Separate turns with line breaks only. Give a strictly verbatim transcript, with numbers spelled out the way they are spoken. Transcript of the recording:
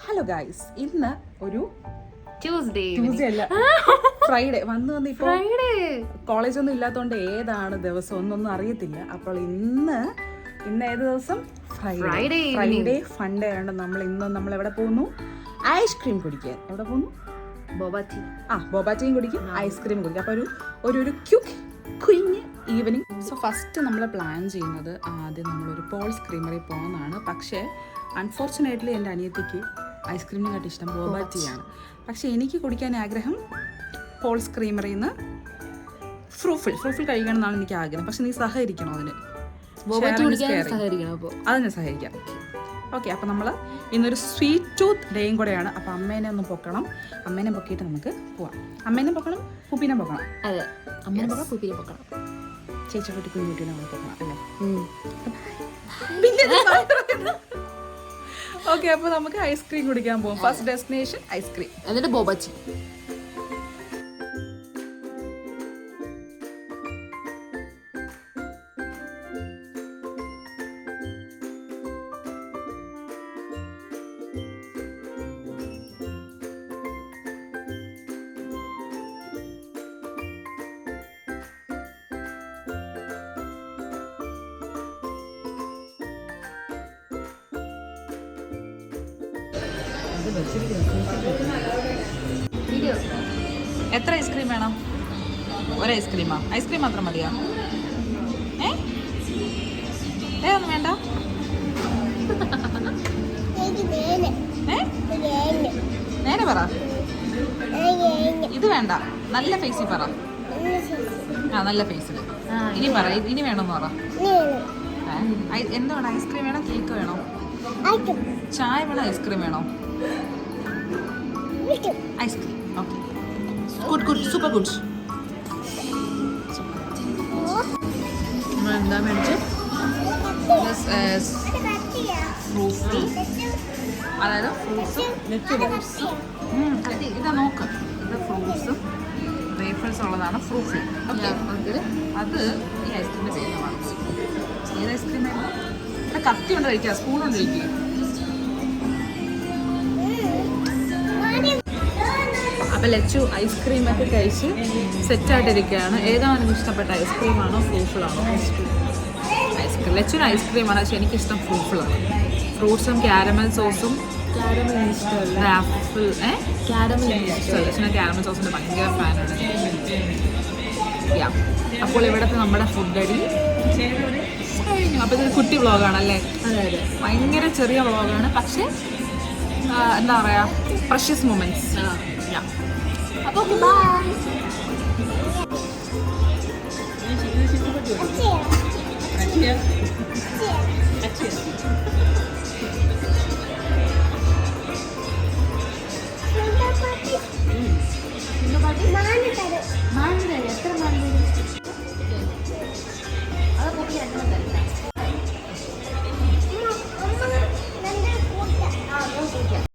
Hello guys, ഇന്ന് ഒരു
Tuesday
Tuesday അല്ല ഫ്രൈഡേ വന്ന് വന്ന് ഇപ്പോൾ
ഫ്രൈഡേ
കോളേജ് ഒന്നും ഇല്ലാത്തതുകൊണ്ട് ഏതാണ് ദിവസം ഒന്നൊന്നും അറിയത്തില്ല. അപ്പോൾ ഇന്ന് ഇന്ന് ഏത് ദിവസം? ഫ്രൈഡേ. ഫ്രൈഡേ ഫണ്ടേ ആയതുകൊണ്ട് നമ്മൾ ഇന്ന് നമ്മൾ എവിടെ പോകുന്നു? ഐസ്ക്രീം കുടിക്കാൻ. എവിടെ പോകുന്നു?
ബോബാറ്റി.
ആ ബോബാറ്റിയും കുടിക്കും, ഐസ്ക്രീം കുടിക്കും. അപ്പോൾ ഒരു ഒരു ഒരു ക്യുക്ക് കുഞ്ഞ് ഈവനിങ്. സോ ഫസ്റ്റ് നമ്മൾ പ്ലാൻ ചെയ്യുന്നത് ആദ്യം നമ്മളൊരു പോൾസ് ക്രീമറി പോകുന്നതാണ്. പക്ഷേ അൺഫോർച്ചുനേറ്റ്ലി എൻ്റെ അനിയത്തിക്ക് ഐസ്ക്രീമിനെക്കാട്ടി ഇഷ്ടം ബോബാറ്റിയാണ്. പക്ഷേ എനിക്ക് കുടിക്കാൻ ആഗ്രഹം പോൾസ് ക്രീമറിയിൽ നിന്ന് ഫ്രൂഫിൽ ഫ്രൂഫിൽ കഴിക്കണം എന്നാണ് എനിക്ക് ആഗ്രഹം. പക്ഷെ നീ സഹകരിക്കണം അതിന്. അതിന് സഹകരിക്കാം. ഓക്കെ, അപ്പോൾ നമ്മൾ ഇന്നൊരു സ്വീറ്റ് ടൂത്ത് ഡേയും കൂടെയാണ്. അപ്പോൾ അമ്മേനെ ഒന്ന് പൊക്കണം. അമ്മേനെ പൊക്കിയിട്ട് നമുക്ക് പോവാം. അമ്മേനെ പൊക്കണം, പുപ്പിനെ പൊക്കണം.
അതെ, അമ്മേനെ പൊക്കണം, പുപ്പിനെ പൊക്കണം,
ചേച്ചി കുട്ടി കുഞ്ഞുകുട്ടീനെ നമ്മൾ പൊക്കണം അല്ലേ? ഓക്കെ, അപ്പോൾ നമുക്ക് ഐസ്ക്രീം കുടിക്കാൻ പോകും. ഫസ്റ്റ് ഡെസ്റ്റിനേഷൻ ഐസ്ക്രീം,
എന്നിട്ട് ബോബാച്ചി.
എത്ര ഐസ്ക്രീം വേണം? ഒരു ഐസ്ക്രീമാ? ഐസ്ക്രീം മാത്രം മതിയാ? ഏ ഏതൊന്നും വേണ്ട? നേരെ പറ. ഇത് വേണ്ട, നല്ല ഫേസിൽ പറ. ആ നല്ല ഫേസിൽ. ഇനി പറ, ഇനി വേണമെന്ന് പറ. എന്ത് വേണം? ഐസ്ക്രീം വേണോ, കേക്ക് വേണോ, ചായ വേണോ, ഐസ്ക്രീം വേണോ? Ice cream. Okay, good good super good. എന്താ മേടിച്ച്? ഫ്രൂട്ട്സ്, അതായത് ഫ്രൂട്ട്സും നെറ്റ്സും. ഇതാ നോക്ക്, ഇത് ഫ്രൂട്ട്സും വേഫേഴ്സും ഉള്ളതാണ് ഫ്രൂട്ട്സ്. ഓക്കെ, അത് ഈ ഐസ്ക്രീമിൻ്റെ പേരുമാണ്. ഏത് ഐസ്ക്രീം ആയിരുന്നു? കത്തി കൊണ്ട് കഴിക്കുക, സ്പൂൺ കൊണ്ട് കഴിക്കുക. അപ്പോൾ ലച്ചു ഐസ്ക്രീമൊക്കെ കഴിച്ച് സെറ്റായിട്ടിരിക്കുകയാണ്. ഏതാണ് ഇഷ്ടപ്പെട്ട ഐസ്ക്രീമാണോ ഫ്രൂഫിളാണോ? ഐസ്ക്രീം ഐസ്ക്രീം ലച്ചുവിന് ഐസ്ക്രീമാണ്, പക്ഷെ എനിക്കിഷ്ടം ഫ്രൂഫിളാണ്. ഫ്രൂട്ട്സും ക്യാരമൽ സോസും. ക്യാരമൽ ഇഷ്ടമല്ല, ആപ്പിൾ. ഏ ക്യാരമൽ ഇഷ്ടമല്ല. ലച്ചുവിന് ക്യാരമൽ സോസിൻ്റെ ഭയങ്കര ഫാനാണ്. യാ, അപ്പോൾ ഇവിടുത്തെ നമ്മുടെ ഫുഡ് അടി കഴിഞ്ഞു. അപ്പോൾ ഇതൊരു കുട്ടി വ്ളോഗാണല്ലേ? അതെ അതെ, ഭയങ്കര ചെറിയ വ്ളോഗാണ്, പക്ഷേ എന്താ പറയുക, പ്രഷ്യസ് മൊമെന്റ്സ്. യാ, അപ്പോൾ ബൈ.